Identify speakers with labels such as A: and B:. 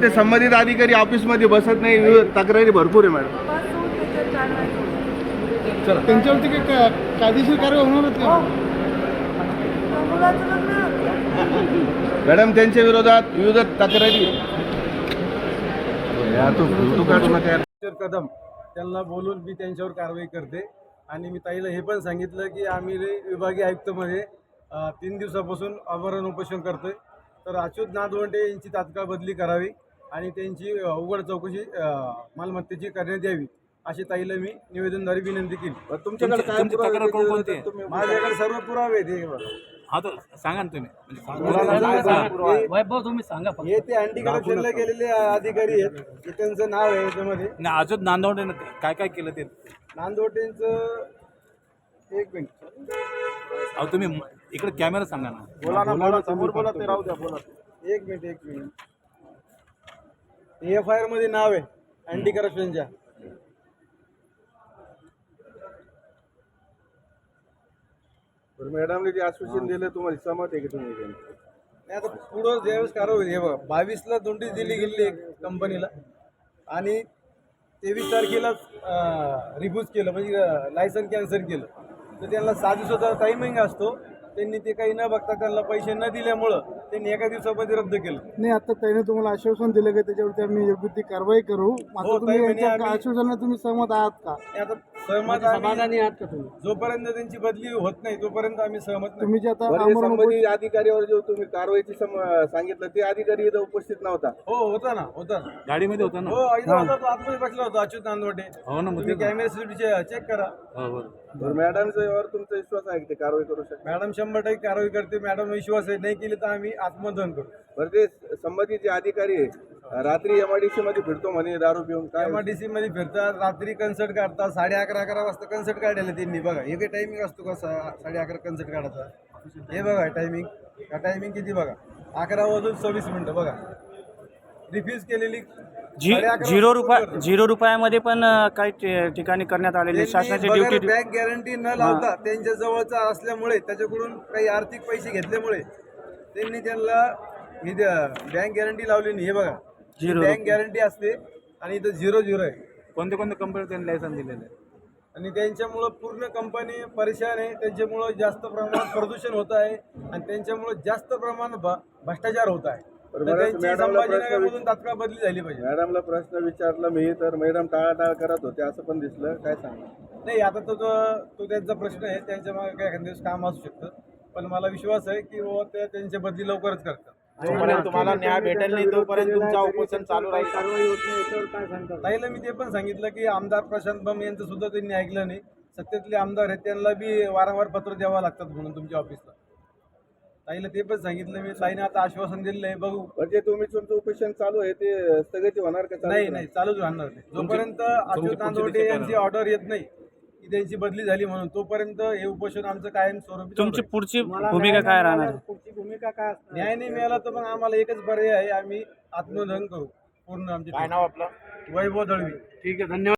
A: ते संबंधित अधिकारी ऑफिसमध्ये बसत नाही, तक्रारी भरपूर आहे मॅडम.
B: चला त्यांच्यावरती काही कायदेशीर कारवाई होणार होती
A: मॅडम. त्यांच्या विरोधात विविध तक्रारी
C: कदम त्यांना बोलून मी त्यांच्यावर कारवाई करते. आणि मी ताईला हे पण सांगितलं की आम्ही विभागीय आयुक्तमध्ये 3 दिवसापासून आमरण उपोषण करतोय. तर अच्युत नादवंडे यांची तात्काळ बदली करावी आणि त्यांची उघड चौकशी मालमत्तेची करण्यात यावी अशी ताईला मी निवेदनद्वारे विनंती केली.
A: तुमच्याकडे काय
D: तक्रार कोणकोणती आहे?
C: माझ्याकडे सर्व पुरावे आहेत. हे बघा.
D: हा तर सांगा ना तुम्ही.
E: वैभव तुम्ही सांगा फक्त.
C: हे ते अँटी करप्शनला गेलेले अधिकारी आहेत. हे त्यांचं नाव आहे याच्यामध्ये.
D: नाही, अजून नांदवडे काय काय केलं ते?
C: नांदवटेंचं एक मिनिट.
D: अहो तुम्ही इकडे कॅमेरा सांगा ना.
C: बोला ना, बोला समोर बोला, ते राहू द्या, बोला. एक मिनिट. FIR मध्ये नाव आहे अँटी करप्शनच्या.
A: मॅडमने जे आश्वासन दिलं तुम्हाला सहमत आहे की तुम्ही?
C: नाही, आता पुढं ज्यावेळेस कारवाई हे बघा, 22ला नोटीस दिली गेली कंपनीला आणि 23 तारखेला रिफ्यूज केलं, म्हणजे लायसन कॅन्सल केलं. तर त्यांना 6 दिवसाचा टायमिंग असतो. त्यांनी ते काही न बघता त्यांना पैसे न दिल्यामुळं त्यांनी एका दिवसामध्ये रद्द केलं.
B: नाही, आता त्याने तुम्हाला आश्वासन दिलं की त्याच्यावरती आम्ही योग्य ती कारवाई करू. मात्र तुम्ही यांच्या आश्वासनाला तुम्ही सहमत आहात का?
C: आता सहमत आम्ही-
E: समाधानी आहात का तुम्ही?
C: जोपर्यंत त्यांची बदली होत नाही तोपर्यंत आम्ही सहमत नाही.
B: तुम्ही जे आता
A: संबंधित अधिकाऱ्यावर जो तुम्ही कारवाईची सांगितलं ते अधिकारी इथं उपस्थित नव्हता.
C: हो, होता ना.
D: गाडीमध्ये होता ना?
C: हो, इथं होता तो, आतमध्ये बसला होता अच्युत नांदवटे.
D: हो ना, मग
C: तुम्ही कॅमेरा चेक करा.
D: हो.
A: मॅडमच्यावर तुमचा विश्वास आहे की ते कारवाई करू शकतात?
C: मॅडम 100% कारवाई करते. मॅडम विश्वास आहे, नाही केली तर आम्ही आत्मदहन करू.
A: बरं, ते संबंधित जे अधिकारी आहे रात्री MIDC मध्ये फिरतो म्हणे दारू पिऊन, काय
C: MIDC मध्ये फिरतात, रात्री कन्सर्ट काढतात. 11:30 वाजता कन्सर्ट काढायला त्यांनी. बघा, हे काही टायमिंग असतो का 11:30 कन्सर्ट काढायचा? हे बघा टायमिंग. हा टायमिंग किती बघा, 11:26 बघा. रिफ्यूज केलेली
E: 0 रुपयामध्ये पण काही ठिकाणी करण्यात आलेले शासनाची ड्युटी.
C: बँक गॅरंटी न लावता त्यांच्या जवळचा असल्यामुळे, त्याच्याकडून काही आर्थिक पैसे घेतल्यामुळे त्यांनी त्यांना ही बँक गॅरंटी लावली नाही. हे बघा, बँक गॅरंटी असते आणि इथं 0 आहे.
D: कोणत्या कोणत्या कंपनी त्यांनी लायसन दिलेलं आहे?
C: आणि त्यांच्यामुळं पूर्ण कंपनी परेशान आहे. त्यांच्यामुळं जास्त प्रमाणात प्रदूषण होत आहे आणि त्यांच्यामुळं जास्त प्रमाणात भ्रष्टाचार होत आहे. तर त्यांची संभाजीनगरमधून तात्काळ बदली झाली पाहिजे.
A: मॅडमला प्रश्न विचारला मी तर मॅडम टाळाटाळ करत होते असं पण दिसलं, काय सांगा?
C: नाही, आता तो त्यांचा प्रश्न आहे. त्यांच्या मागे काय एखाद्या दिवस काम असू शकतं, पण मला विश्वास आहे की बाबा ते त्यांची बदली लवकरच करतात.
F: जोपर्यंत तुम्हाला न्याय भेटेल नाही तोपर्यंत तुमचा उपोषण चालू राहील.
C: ताईला मी ते पण सांगितलं की आमदार प्रशांत बम यांचं सुद्धा त्यांनी ऐकलं नाही. सत्तेतले आमदार आहेत, त्यांना बी वारंवार पत्र द्यावं लागतात म्हणून तुमच्या ऑफिसला. ताईला ते पण सांगितलं मी. ताईने आता आश्वासन दिलेलं आहे, बघू.
A: म्हणजे तुम्ही तुमचं उपोषण चालू आहे ते स्थगिती होणार का?
C: नाही, चालूच राहणार नाही. जोपर्यंत अच्युत नांदवटे यांची ऑर्डर येत नाही की त्यांची बदली झाली म्हणून, तोपर्यंत हे उपोषण आमचं कायम स्वरूपी.
E: तुमची पुढची भूमिका काय राहणार?
C: न्याय नाही मिळाला तर मग आम्हाला एकच पर्याय आहे, आम्ही आत्मदहन करू. पूर्ण आमचे.
F: काय नाव आपलं?
C: वैभव दळवी.
E: ठीक आहे, धन्यवाद.